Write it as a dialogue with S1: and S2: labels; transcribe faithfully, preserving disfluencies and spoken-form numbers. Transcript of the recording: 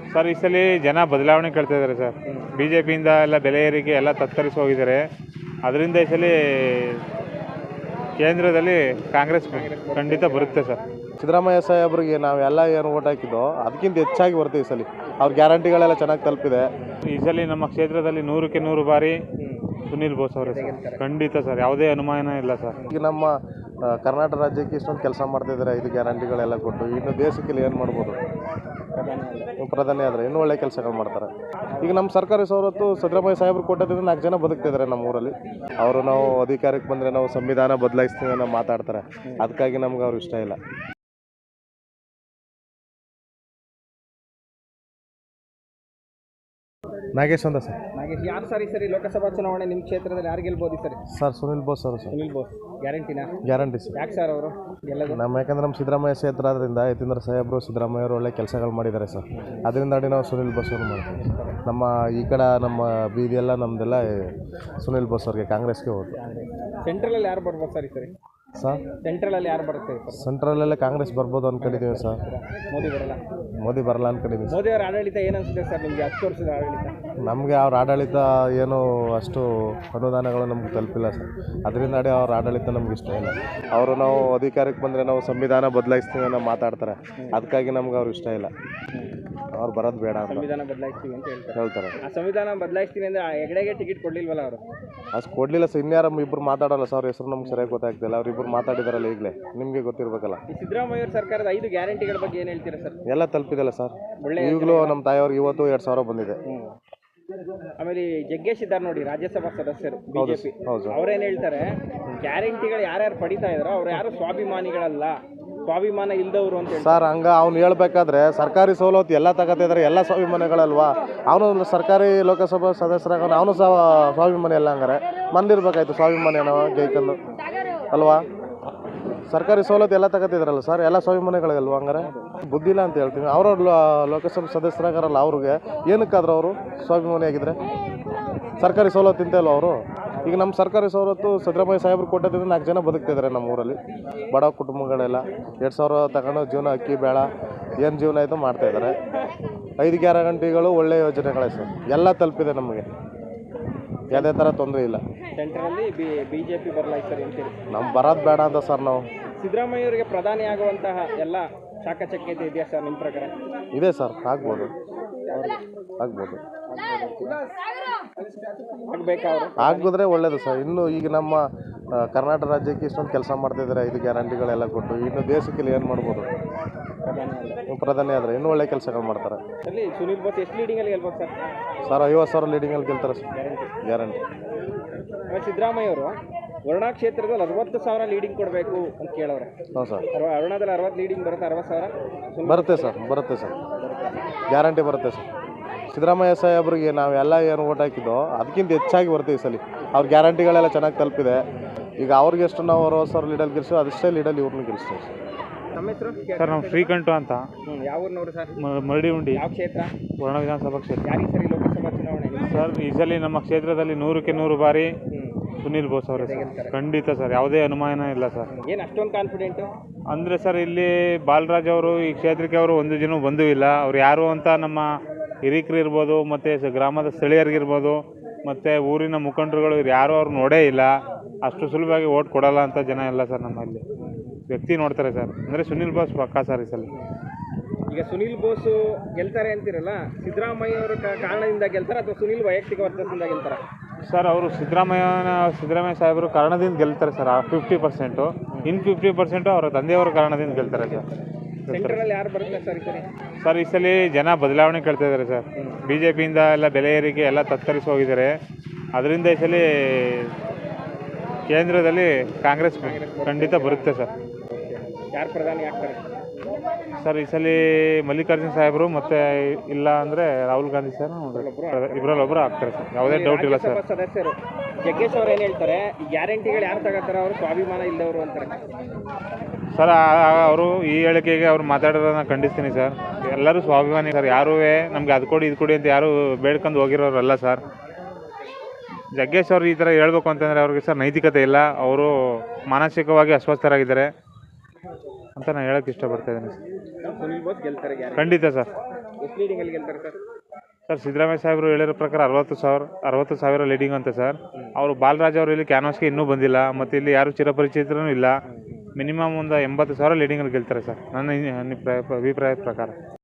S1: Sir ಈ ಸಲ ಜನ ಬದಲಾವಣೆ ಕೇಳ್ತಾ ಇದ್ದಾರೆ ಸರ್. ಬಿ ಜೆ ಪಿಯಿಂದ ಎಲ್ಲ ಬೆಲೆ ಏರಿಕೆ ಎಲ್ಲ ತತ್ತರಿಸಿ ಹೋಗಿದ್ದಾರೆ. ಅದರಿಂದ ಈ ಸಲ ಕೇಂದ್ರದಲ್ಲಿ ಕಾಂಗ್ರೆಸ್ ಖಂಡಿತ ಬರುತ್ತೆ ಸರ್.
S2: ಸಿದ್ದರಾಮಯ್ಯ ಸಾಹೇಬ್ರಿಗೆ ನಾವೆಲ್ಲ ಏನು ಓಟ್ ಹಾಕಿದ್ದೋ ಅದಕ್ಕಿಂತ ಹೆಚ್ಚಾಗಿ ಬರುತ್ತೆ ಈ ಸಲ. ಅವ್ರ ಗ್ಯಾರಂಟಿಗಳೆಲ್ಲ ಚೆನ್ನಾಗಿ ತಲುಪಿದೆ.
S1: ಈ ಸಲ ನಮ್ಮ ಕ್ಷೇತ್ರದಲ್ಲಿ ನೂರಕ್ಕೆ ನೂರು ಬಾರಿ ಸುನಿಲ್ ಬೋಸ್ ಅವರೇ ಸರ್. ಖಂಡಿತ ಸರ್, ಯಾವುದೇ ಅನುಮಾನ ಇಲ್ಲ ಸರ್.
S2: ಈಗ ನಮ್ಮ ಕರ್ನಾಟಕ ರಾಜ್ಯಕ್ಕೆ ಇಷ್ಟೊಂದು ಕೆಲಸ ಮಾಡ್ತಿದ್ದಾರೆ, ಐದು ಗ್ಯಾರಂಟಿಗಳೆಲ್ಲ ಕೊಟ್ಟು. ಇನ್ನು ದೇಶಕ್ಕೆ ಏನು ಮಾಡ್ಬೋದು, ಪ್ರಧಾನಿ ಆದರೆ ಇನ್ನೂ ಒಳ್ಳೆ ಕೆಲಸಗಳು ಮಾಡ್ತಾರೆ. ಈಗ ನಮ್ಮ ಸರ್ಕಾರಿ ಸವಲತ್ತು ಸಿದ್ದರಾಮಯ್ಯ ಸಾಹೇಬ್ರು ಕೊಟ್ಟೋದ್ರಿಂದ ನಾಲ್ಕು ಜನ ಬದುಕ್ತಿದ್ದಾರೆ ನಮ್ಮ ಊರಲ್ಲಿ. ಅವರು ನಾವು ಅಧಿಕಾರಕ್ಕೆ ಬಂದರೆ ನಾವು ಸಂವಿಧಾನ ಬದಲಾಯಿಸ್ತೀವಿ ಅನ್ನೋ ಮಾತಾಡ್ತಾರೆ. ಅದಕ್ಕಾಗಿ ನಮ್ಗೆ ಅವ್ರು ಇಷ್ಟ ಇಲ್ಲ. ನಾಗೇಶ್ ಅಂತ ಸರ್.
S3: ನಾಗೇಶ್, ಯಾರು ಸರ್ ಈ ಸರಿ ಲೋಕಸಭಾ ಚುನಾವಣೆ ನಿಮ್ಮ ಕ್ಷೇತ್ರದಲ್ಲಿ ಯಾರು ಗೆಲ್ಬೋದು ಸರ್?
S2: ಸರ್ ಸುನಿಲ್ ಬೋಸ್ ಅವರು ಸರ್.
S3: ಸುನಿಲ್ ಬೋಸ್ ಗ್ಯಾರಂಟಿನಾ?
S2: Guarantee sir.
S3: ಯಾಕೆ ಸರ್ ಅವರು ಗೆಲ್ಲೋದು?
S2: ನಮ್ಮ ಯಾಕಂದ್ರೆ ನಮ್ಮ ಸಿದ್ದರಾಮಯ್ಯ ಕ್ಷೇತ್ರ ಆದ್ದರಿಂದ ಯತೀಂದ್ರ ಸಾಹೇಬರು ಸಿದ್ದರಾಮಯ್ಯ ಅವರು ಒಳ್ಳೆ ಕೆಲಸಗಳು ಮಾಡಿದ್ದಾರೆ ಸರ್. ಅದರಿಂದ ನಾವು ಸುನಿಲ್ ಬೋಸ್ ಅವರು ಮಾಡ್ತೀವಿ. ನಮ್ಮ ಈ ಕಡೆ ನಮ್ಮ ಬೀದಿಯೆಲ್ಲ ನಮ್ಮದೆಲ್ಲ ಸುನಿಲ್ ಬೋಸ್ ಅವ್ರಿಗೆ, ಕಾಂಗ್ರೆಸ್ಗೆ ಹೋದ್ರು.
S3: ಸೆಂಟ್ರಲಲ್ಲಿ ಯಾರು ಬರ್ಬೋದು ಸರ್ ಈ ಸರಿ?
S2: ಸರ್
S3: ಸೆಂಟ್ರಲಲ್ಲಿ ಯಾರು ಬರುತ್ತೆ ಸರ್?
S2: ಸೆಂಟ್ರಲಲ್ಲೇ ಕಾಂಗ್ರೆಸ್ ಬರ್ಬೋದು ಅಂದ್ಕೊಂಡಿದ್ದೀವಿ ಸರ್.
S3: ಮೋದಿ ಬರಲ್ಲ?
S2: ಮೋದಿ ಬರಲ್ಲ ಅಂದ್ಕೊಂಡಿದ್ದೀವಿ.
S3: ಮೋದಿ ಅವರ ಆಡಳಿತ ಏನು ಅನಿಸುತ್ತೆ ಸರ್ ನಿಮಗೆ? ಹತ್ತು ವರ್ಷದ ಆಡಳಿತ
S2: ನಮಗೆ ಅವ್ರ ಆಡಳಿತ ಏನು ಅಷ್ಟು ಅನುದಾನಗಳು ನಮ್ಗೆ ತಲುಪಿಲ್ಲ ಸರ್. ಅದರಿಂದ ಅವ್ರ ಆಡಳಿತ ನಮ್ಗೆ ಇಷ್ಟ ಇಲ್ಲ. ಅವರು ನಾವು ಅಧಿಕಾರಕ್ಕೆ ಬಂದರೆ ನಾವು ಸಂವಿಧಾನ ಬದಲಾಯಿಸ್ತೀವಿ ಅನ್ನೋ ಮಾತಾಡ್ತಾರೆ. ಅದಕ್ಕಾಗಿ ನಮ್ಗೆ ಅವ್ರು ಇಷ್ಟ ಇಲ್ಲ. ಅವ್ರು ಬರೋದು ಬೇಡ ಅಂತ
S3: ಸಂವಿಧಾನ ಬದಲಾಯಿಸ್ತೀವಿ ಅಂತ ಹೇಳ್ತಾರೆ
S2: ಹೇಳ್ತಾರೆ.
S3: ಆ ಸಂವಿಧಾನ ಬದಲಾಯಿಸ್ತೀನಿ ಅಂದರೆ ಹೆಗಡೆಗೆ ಟಿಕೆಟ್ ಕೊಡಲಿಲ್ವಲ್ಲ ಅವರು?
S2: ಅಷ್ಟು ಕೊಡಲಿಲ್ಲ ಸರ್. ಇನ್ಯಾರ ಇಬ್ಬರು ಮಾತಾಡೋಲ್ಲ ಸರ್. ಅವ್ರ ಹೆಸರು ನಮ್ಗೆ ಸರಿಯಾಗಿ ಗೊತ್ತಾಗ್ತಿಲ್ಲ. ಅವ್ರಿಬ್ಬರು ಮಾತಾಡಿದಾರಲ್ಲ ಈಗಲೇ, ನಿಮಗೆ ಗೊತ್ತಿರಬೇಕಲ್ಲ.
S3: ಈ ಸಿದ್ದರಾಮಯ್ಯ ಅವ್ರ ಸರ್ಕಾರದ ಐದು ಗ್ಯಾರಂಟಿಗಳ ಬಗ್ಗೆ ಏನು ಹೇಳ್ತೀರಾ ಸರ್?
S2: ಎಲ್ಲ ತಲುಪಿದಲ್ಲ ಸರ್.
S3: ಒಳ್ಳೆ
S2: ಈಗಲೂ ನಮ್ಮ ತಾಯಿಯವ್ರಿಗೆ ಇವತ್ತು ಎರಡು ಸಾವಿರ ಬಂದಿದೆ.
S3: ಆಮೇಲೆ ಜಗ್ಗೇಶ್ ಇದ್ದಾರೆ ನೋಡಿ, ರಾಜ್ಯಸಭಾ ಸದಸ್ಯರು ಬಿಜೆಪಿ,
S2: ಹೌದು.
S3: ಅವ್ರೇನು ಹೇಳ್ತಾರೆ, ಗ್ಯಾರಂಟಿಗಳು ಯಾರ್ಯಾರು ಪಡಿತಾ ಇದ್ದಾರೋ ಅವ್ರು ಯಾರು ಸ್ವಾಭಿಮಾನಿಗಳಲ್ಲ, ಸ್ವಾಭಿಮಾನ ಇಲ್ದವರು ಅಂತ ಹೇಳಿ.
S2: ಸರ್ ಹಂಗ ಅವ್ನು ಹೇಳ್ಬೇಕಾದ್ರೆ ಸರ್ಕಾರಿ ಸವಲತ್ತು ಎಲ್ಲ ತಗೋತಿದ್ದಾರೆ, ಎಲ್ಲ ಸ್ವಾಭಿಮಾನಿಗಳಲ್ವಾ? ಅವನು ಸರ್ಕಾರಿ ಲೋಕಸಭಾ ಸದಸ್ಯರಾಗ ಅವನು ಸಹ ಸ್ವಾಭಿಮಾನಿ ಎಲ್ಲ. ಹಂಗಾರೆ ಮಂದಿರ್ಬೇಕಾಯ್ತು ಸ್ವಾಭಿಮಾನಿ ನಾವು ಜೈಕಂದು ಅಲ್ವಾ? ಸರ್ಕಾರಿ ಸವಲತ್ತು ಎಲ್ಲ ತಗೋತಿದ್ರಲ್ಲ ಸರ್, ಎಲ್ಲ ಸ್ವಾಭಿಮಾನಿಗಳಿಗಲ್ವ? ಹಂಗಾರೆ ಬುದ್ಧಿ ಇಲ್ಲ ಅಂತ ಹೇಳ್ತೀವಿ. ಅವ್ರವ್ರು ಲೋಕಸಭಾ ಸದಸ್ಯರಾಗಾರಲ್ಲ, ಅವ್ರಿಗೆ ಏನಕ್ಕಾದ್ರೂ ಅವರು ಸ್ವಾಭಿಮಾನಿ ಆಗಿದ್ರೆ ಸರ್ಕಾರಿ ಸವಲತ್ತು ತಿಂತಲ್ವ ಅವರು? ಈಗ ನಮ್ಮ ಸರ್ಕಾರಿ ಸವಲತ್ತು ಸಿದ್ದರಾಮಯ್ಯ ಸಾಹೇಬ್ರು ಕೊಟ್ಟೋದ್ರಿಂದ ನಾಲ್ಕು ಜನ ಬದುಕ್ತಿದ್ದಾರೆ ನಮ್ಮ ಊರಲ್ಲಿ. ಬಡ ಕುಟುಂಬಗಳೆಲ್ಲ ಎರಡು ಸಾವಿರ ತಗೊಂಡು ಜೀವನ, ಅಕ್ಕಿ ಬೇಳ ಏನು ಜೀವನ ಆಯಿತು ಮಾಡ್ತಾಯಿದ್ದಾರೆ. ಐದು ಗ್ಯಾರಂಟಿಗಳು ಒಳ್ಳೆ ಯೋಜನೆಗಳೇ ಸರ್. ಎಲ್ಲ ತಲುಪಿದೆ ನಮಗೆ, ಯಾವುದೇ ಥರ ತೊಂದರೆ ಇಲ್ಲ.
S3: ಸೆಂಟ್ರಲ್ಲಿ ಬಿ ಬಿ ಜೆ ಪಿ ಬದಲಾಯಿಸ್ತಾರೆ ಅಂತೇಳಿ
S2: ನಮ್ಮ ಬರೋದು ಬೇಡ ಅಂತ ಸರ್. ನಾವು
S3: ಸಿದ್ದರಾಮಯ್ಯ ಅವರಿಗೆ ಪ್ರಧಾನಿ ಆಗುವಂತಹ ಎಲ್ಲ ಚಾಕಚಕ್ಯತೆ ಇದೆಯಾ ಸರ್ ನಿಮ್ಮ ಪ್ರಕಾರ?
S2: ಇದೆ ಸರ್, ಆಗ್ಬೋದು ಆಗ್ಬೋದು
S3: ಆಗ್ಬೇಕಾ ಅವರು?
S2: ಆಗಿದ್ರೆ ಒಳ್ಳೇದು ಸರ್. ಇನ್ನು ಈಗ ನಮ್ಮ ಕರ್ನಾಟಕ ರಾಜ್ಯಕ್ಕೆ ಇಷ್ಟೊಂದು ಕೆಲಸ ಮಾಡ್ತಿದ್ದಾರೆ, ಐದು ಗ್ಯಾರಂಟಿಗಳೆಲ್ಲ ಕೊಟ್ಟು. ಇನ್ನು ದೇಶಕ್ಕೆ ಏನು ಮಾಡ್ಬೋದು, ಪ್ರಧಾನಿ ಆದರೆ ಇನ್ನೂ ಒಳ್ಳೆ ಕೆಲಸಗಳು ಮಾಡ್ತಾರೆ.
S3: ಅಲ್ಲಿ ಸುನಿಲ್ ಬೋಸ್ ಎಷ್ಟು ಲೀಡಿಂಗಲ್ಲಿ ಗೆಲ್ಬೋದು ಸರ್?
S2: ಸರ್ ಐವತ್ತು ಸಾವಿರ ಲೀಡಿಂಗಲ್ಲಿ ಗೆಲ್ತಾರೆ ಸರ್, ಗ್ಯಾರಂಟಿ.
S3: ಸಿದ್ದರಾಮಯ್ಯ ಅವರು ವರುಣಾ ಕ್ಷೇತ್ರದಲ್ಲಿ ಅರವತ್ತು ಸಾವಿರ ಲೀಡಿಂಗ್ ಕೊಡಬೇಕು ಅಂತ ಕೇಳವ್ರೆ.
S2: ಹ್ಞೂ ಸರ್.
S3: ವರುಣಾದಲ್ಲಿ ಅರವತ್ತು ಲೀಡಿಂಗ್ ಬರುತ್ತೆ, ಅರವತ್ತು ಸಾವಿರ
S2: ಬರುತ್ತೆ ಸರ್. ಬರುತ್ತೆ ಸರ್, ಗ್ಯಾರಂಟಿ ಬರುತ್ತೆ ಸರ್. ಸಿದ್ದರಾಮಯ್ಯ ಸಾಹೇಬ್ರಿಗೆ ನಾವೆಲ್ಲ ಏನು ಓಟ್ ಹಾಕಿದ್ದೋ ಅದಕ್ಕಿಂತ ಹೆಚ್ಚಾಗಿ ಬರುತ್ತೆ ಈ ಸಲ. ಅವ್ರ ಗ್ಯಾರಂಟಿಗಳೆಲ್ಲ ಚೆನ್ನಾಗಿ ತಲುಪಿದೆ. ಈಗ ಅವ್ರಿಗೆ ಎಷ್ಟು ನಾವು ಅರವತ್ತು ಸಾವಿರ ಲೀಡಲ್ಲಿ ಗೆಲ್ಸೋ ಅದಷ್ಟೇ ಲೀಡಲ್ಲಿ ಇವ್ರನ್ನ ಗೆಲ್ಸ್ತೀವಿ ಸರ್.
S3: ನಮ್ಮ ಹೆಸರು
S1: ಸರ್ ನಾವು ಶ್ರೀಕಂಠು ಅಂತ,
S3: ಯಾವ ಊರಿನವರು ಸರ್?
S1: ಮರಡಿ ಉಂಡಿ.
S3: ಯಾವ ಕ್ಷೇತ್ರ?
S1: ವರ್ಣ ವಿಧಾನಸಭಾ ಕ್ಷೇತ್ರ.
S3: ಯಾರಿಗೆ ಸರಿ ಲೋಕಸಭಾ ಚುನಾವಣೆ?
S1: ಸರ್ ಈ ಸಲ ನಮ್ಮ ಕ್ಷೇತ್ರದಲ್ಲಿ ನೂರಕ್ಕೆ ನೂರು ಬಾರಿ ಸುನಿಲ್ ಬೋಸ್ ಅವರೇ ಸರ್. ಖಂಡಿತ ಸರ್, ಯಾವುದೇ ಅನುಮಾನ ಇಲ್ಲ ಸರ್.
S3: ಏನು ಅಷ್ಟೊಂದು ಕಾನ್ಫಿಡೆಂಟು
S1: ಅಂದರೆ ಸರ್, ಇಲ್ಲಿ ಬಾಲರಾಜ್ ಅವರು ಈ ಕ್ಷೇತ್ರಕ್ಕೆ ಅವರು ಒಂದು ದಿನ ಬಂದೂ ಇಲ್ಲ. ಅವ್ರು ಯಾರು ಅಂತ ನಮ್ಮ ಹಿರಿಕರು ಇರ್ಬೋದು, ಮತ್ತು ಗ್ರಾಮದ ಸ್ಥಳೀಯರಿಗಿರ್ಬೋದು, ಮತ್ತು ಊರಿನ ಮುಖಂಡರುಗಳು ಇವ್ರು ಯಾರೂ ಅವ್ರು ನೋಡೇ ಇಲ್ಲ. ಅಷ್ಟು ಸುಲಭವಾಗಿ ಓಟ್ ಕೊಡೋಲ್ಲ ಅಂತ ಜನ ಇಲ್ಲ ಸರ್. ನಮ್ಮಲ್ಲಿ ವ್ಯಕ್ತಿ ನೋಡ್ತಾರೆ ಸರ್. ಅಂದರೆ ಸುನಿಲ್ ಬೋಸ್ ಪಕ್ಕಾ ಸರ್ ಈ ಸಲ.
S3: ಈಗ ಸುನಿಲ್ ಬೋಸು ಗೆಲ್ತಾರೆ ಅಂತಿರಲ್ಲ, ಸಿದ್ದರಾಮಯ್ಯ ಅವರ ಕಾರಣದಿಂದ ಗೆಲ್ತಾರೆ ಅಥವಾ ಸುನಿಲ್ ವೈಯಕ್ತಿಕ ವರ್ಚಸ್ಸಿಂದ ಗೆಲ್ತಾರೆ?
S1: ಸರ್ ಅವರು ಸಿದ್ದರಾಮಯ್ಯನ ಸಿದ್ದರಾಮಯ್ಯ ಸಾಹೇಬರು ಕಾರಣದಿಂದ ಗೆಲ್ತಾರೆ ಸರ್, ಫಿಫ್ಟಿ ಪರ್ಸೆಂಟು. ಇನ್ನು ಫಿಫ್ಟಿ ಪರ್ಸೆಂಟು ಅವರ ತಂದೆಯವರ ಕಾರಣದಿಂದ ಗೆಲ್ತಾರೆ ಸರ್.
S3: ಸೆಂಟ್ರಲ್ ಯಾರು ಬರುತ್ತೆ ಸರ್ ಈ ಸರಿ?
S1: ಸರ್ ಈ ಸಲ ಜನ ಬದಲಾವಣೆ ಕೇಳ್ತಾ ಇದ್ದಾರೆ ಸರ್. ಬಿ ಜೆ ಪಿಯಿಂದ ಎಲ್ಲ ಬೆಲೆ ಏರಿಕೆ ಎಲ್ಲ ತತ್ತರಿಸಿ ಹೋಗಿದ್ದಾರೆ. ಅದರಿಂದ ಈ ಸಲ ಕೇಂದ್ರದಲ್ಲಿ ಕಾಂಗ್ರೆಸ್ ಖಂಡಿತ ಬರುತ್ತೆ ಸರ್.
S3: ಯಾರು ಪ್ರಧಾನಿ ಆಗ್ತಾರೆ
S1: ಸರ್ ಈ ಸಲ? ಮಲ್ಲಿಕಾರ್ಜುನ್ ಸಾಹೇಬರು, ಮತ್ತು ಇಲ್ಲ ಅಂದರೆ ರಾಹುಲ್ ಗಾಂಧಿ ಸರ್, ಇಬ್ಬರಲ್ಲಿ ಒಬ್ಬರು ಆಗ್ತಾರೆ ಸರ್, ಯಾವುದೇ ಡೌಟ್ ಇಲ್ಲ ಸರ್.
S3: ಸದಸ್ಯರು ಜಗ್ಗೇಶ್ ಅವ್ರು ಏನು ಹೇಳ್ತಾರೆ, ಈ ಗ್ಯಾರಂಟಿಗಳು ಯಾರು ತಗೋತಾರೆ ಅವರು ಸ್ವಾಭಿಮಾನ ಇಲ್ಲದವರು ಅಂತಾರೆ
S1: ಸರ್. ಅವರು ಈ ಹೇಳಿಕೆಗೆ ಅವ್ರು ಮಾತಾಡೋದನ್ನ ಖಂಡಿಸ್ತೀನಿ ಸರ್. ಎಲ್ಲರೂ ಸ್ವಾಭಿಮಾನಿ ಸರ್. ಯಾರೂ ನಮಗೆ ಅದು ಕೊಡಿ ಇದು ಕೊಡಿ ಅಂತ ಯಾರೂ ಬೇಡ್ಕೊಂಡು ಹೋಗಿರೋರಲ್ಲ ಸರ್. ಜಗ್ಗೇಶ್ ಅವರು ಈ ಥರ ಹೇಳ್ಬೇಕು ಅಂತಂದರೆ ಅವ್ರಿಗೆ ಸರ್ ನೈತಿಕತೆ ಇಲ್ಲ. ಅವರು ಮಾನಸಿಕವಾಗಿ ಅಸ್ವಸ್ಥರಾಗಿದ್ದಾರೆ ಅಂತ ನಾನು ಹೇಳೋಕ್ಕೆ ಇಷ್ಟಪಡ್ತಾ ಇದ್ದೀನಿ ಸರ್.
S3: ಸುನಿಲ್ ಬೋಸ್ ಗೆಲ್ತಾರೆ
S1: ಖಂಡಿತ ಸರ್.
S3: ಎಷ್ಟು ಲೀಡಿಂಗಲ್ಲಿ ಗೆಲ್ತಾರೆ ಸರ್?
S1: ಸರ್ ಸಿದ್ದರಾಮಯ್ಯ ಸಾಹೇಬರು ಹೇಳಿರೋ ಪ್ರಕಾರ ಅರವತ್ತು ಸಾವಿರ ಅರವತ್ತು ಸಾವಿರ ಲೀಡಿಂಗ್ ಅಂತ ಸರ್. ಅವರು ಬಾಲರಾಜ್ ಅವರು ಇಲ್ಲಿ ಕ್ಯಾನ್ವಾಸ್ಗೆ ಇನ್ನೂ ಬಂದಿಲ್ಲ, ಮತ್ತು ಇಲ್ಲಿ ಯಾರು ಚಿರಪರಿಚಿತರೂ ಇಲ್ಲ. ಮಿನಿಮಮ್ ಒಂದು ಎಂಬತ್ತು ಸಾವಿರ ಲೀಡಿಂಗಲ್ಲಿ ಗೆಲ್ತಾರೆ ಸರ್ ನನ್ನ ಅಭಿಪ್ರಾಯ ಅಭಿಪ್ರಾಯದ ಪ್ರಕಾರ.